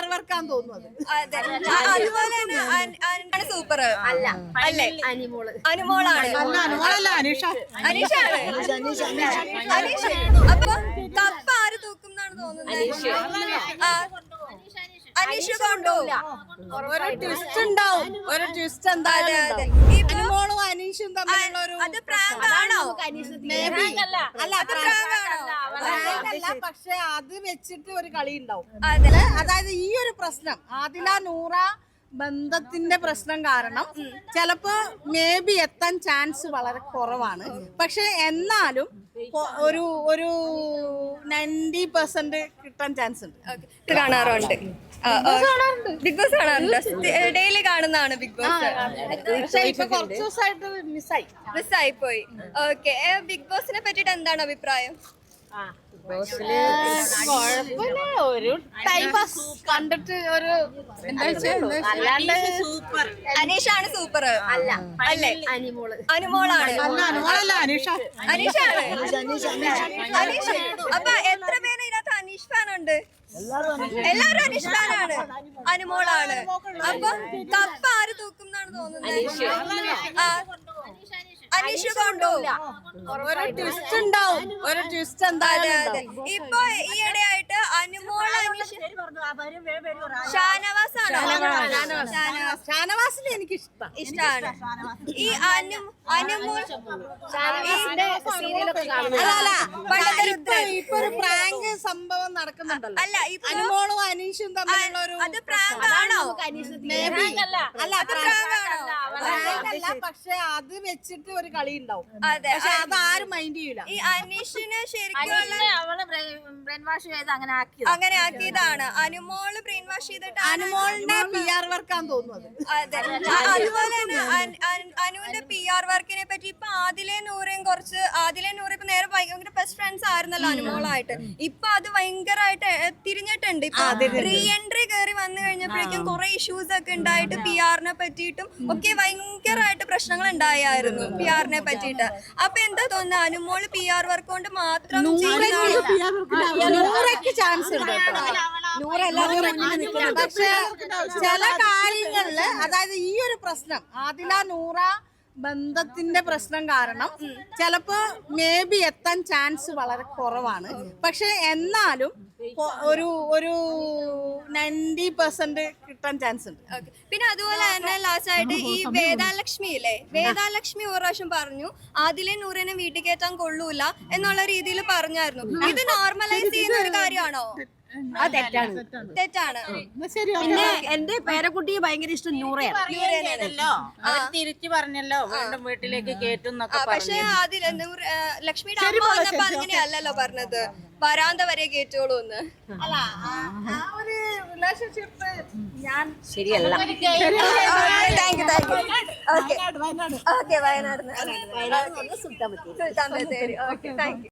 വർക്കാന്ന് തോന്നുന്നത്. അതുപോലെ തന്നെ സൂപ്പർ അല്ല അല്ലേ? അനുമോളാണ്. അനീഷാണ്. അപ്പൊ കപ്പ ആര് തൂക്കും എന്നാണ് തോന്നുന്നത്? അനീഷ് കൊണ്ടുപോകില്ല. ഒരു ട്വിസ്റ്റ് ഉണ്ടാവും. ഒരു ട്വിസ്റ്റ് എന്തായാലും അനുമോളും അനീഷും തമ്മിലുള്ള ഒരു അത് പ്രാങ്ക് ആണോ? അല്ല, പക്ഷെ അത് വെച്ചിട്ട് ഒരു കളി ഉണ്ടാവും. അതായത് ഈ ഒരു പ്രശ്നം ആദില നൂറ ബന്ധത്തിന്റെ പ്രശ്നം കാരണം ചിലപ്പോ മേ ബി എത്താൻ ചാൻസ് വളരെ കുറവാണ്. പക്ഷെ എന്നാലും ഒരു 90% കിട്ടാൻ ചാൻസ് ഉണ്ട്. കാണാറുണ്ട്. ബിഗ് ബോസ് കാണാറുണ്ട്. ഡെയിലി കാണുന്നതാണ് ബിഗ് ബോസ്. ഇപ്പൊ കുറച്ച് ദിവസമായിട്ട് മിസ്സായി പോയി. ഓക്കെ, ബിഗ് ബോസിനെ പറ്റിട്ട് എന്താണ് അഭിപ്രായം? ഒരു ടൈം പാസ് കണ്ടിട്ട് ഒരു അനീഷാണ് സൂപ്പർ അല്ല അല്ലേ? അനുമോളാണ്. അനീഷാണ്. അനീഷ്. അപ്പൊ എത്ര പേര് ഇതിനകത്ത് അനീഷ് ഫാൻ ഉണ്ട്? എല്ലാരും അനീഷ് ഫാനാണ്. അനുമോളാണ്. അപ്പൊ കപ്പ ആര് തൂക്കും എന്നാണ് തോന്നുന്നത്? അനീഷ് കൊണ്ടുപോകില്ല. ഒരു ട്വിസ്റ്റ് ഉണ്ടാവും. ഒരു ട്വിസ്റ്റ് എന്തായാലും ഇപ്പൊ ഈയിടെയായിട്ട് അനുമോൾ ഷാനവാസിനെ എനിക്ക് ഇഷ്ടമാണ്. ഈ അനുമോൾ ഇപ്പൊ ഒരു പ്രാങ്ക് സംഭവം നടക്കുന്നുണ്ടല്ലോ. അല്ല, അനുമോളും അനീഷും തമ്മിലുള്ള ഒരു അത് പ്രാങ്ക് ആണോ? അല്ല, പക്ഷെ അത് വെച്ചിട്ട് ഒരു കളി ഉണ്ടാവും. പക്ഷെ അത് ആരും മൈൻഡ് ചെയ്യൂല. ഈ അനീഷിനെ ശരിക്കും അങ്ങനെ ആക്കിയതാണ്. അനുമോള് ബ്രെയിൻ വാഷ് ചെയ്തിട്ട് അനുമോളിന്റെ PR വർക്കാന്ന് തോന്നുന്നത്. അതെ. അതുപോലെ തന്നെ അനുവിന്റെ PR വർക്കിനെ പറ്റി ഇപ്പൊ ആദിലെ നൂറ ഇപ്പൊ നേരെ ഭയങ്കര ബെസ്റ്റ് ഫ്രണ്ട്സ് ആയിരുന്നല്ലോ അനുമോളായിട്ട്. ഇപ്പൊ അത് ഭയങ്കരമായിട്ട് തിരിഞ്ഞിട്ടുണ്ട്. ഇപ്പൊ റീ എൻട്രി കയറി വന്നു കഴിഞ്ഞപ്പോഴേക്കും കുറെ ഇഷ്യൂസ് ഒക്കെ ഉണ്ടായിട്ട് PR-നെ പറ്റിയിട്ടും ഒക്കെ ഭയങ്കരമായിട്ട് പ്രശ്നങ്ങൾ ഉണ്ടായിരുന്നു PR-നെ പറ്റിയിട്ട്. അപ്പൊ എന്താ തോന്നുന്നത്, അനുമോള് PR വർക്ക് കൊണ്ട് മാത്രം ചാൻസ് ഉണ്ട്. പക്ഷെ ചില കാര്യങ്ങളില് അതായത് ഈ ഒരു പ്രശ്നം ആദില നൂറ ബന്ധത്തിന്റെ പ്രശ്നം കാരണം ചിലപ്പോ മേ ബി എത്താൻ ചാൻസ് വളരെ കുറവാണ്. പക്ഷെ എന്നാലും ഒരു 90% കിട്ടാൻ ചാൻസ് ഉണ്ട്. പിന്നെ അതുപോലെ തന്നെ ലാസ്റ്റ് ആയിട്ട് ഈ വേദാലക്ഷ്മി ഇല്ലേ, വേദാലക്ഷ്മി ഒരു പ്രാവശ്യം പറഞ്ഞു ആദിലെ നൂറിനെ വീട്ടിൽ കയറ്റാൻ കൊള്ളൂല എന്നുള്ള രീതിയിൽ പറഞ്ഞായിരുന്നു. ഇത് നോർമലൈസ് ചെയ്യുന്ന ഒരു കാര്യമാണോ? തെറ്റാണ്. പിന്നെ എന്റെ പേരക്കുട്ടിയെ ഭയങ്കര ഇഷ്ടം നൂറയാണല്ലോ. തിരിച്ചു പറഞ്ഞല്ലോ വീണ്ടും വീട്ടിലേക്ക് കേറ്റും. പക്ഷെ അതിൽ ലക്ഷ്മിയുടെ അമ്മ വന്നപ്പോ അങ്ങനെയല്ലല്ലോ പറഞ്ഞത്, വരാന്ത വരെ കേറ്റോളൂ എന്ന്. അല്ല, ആ ഒരു റിലേഷൻഷിപ്പ് ഞാൻ ശരിയല്ല. Okay, Wayanad Sultan Bathery. Okay, thank U.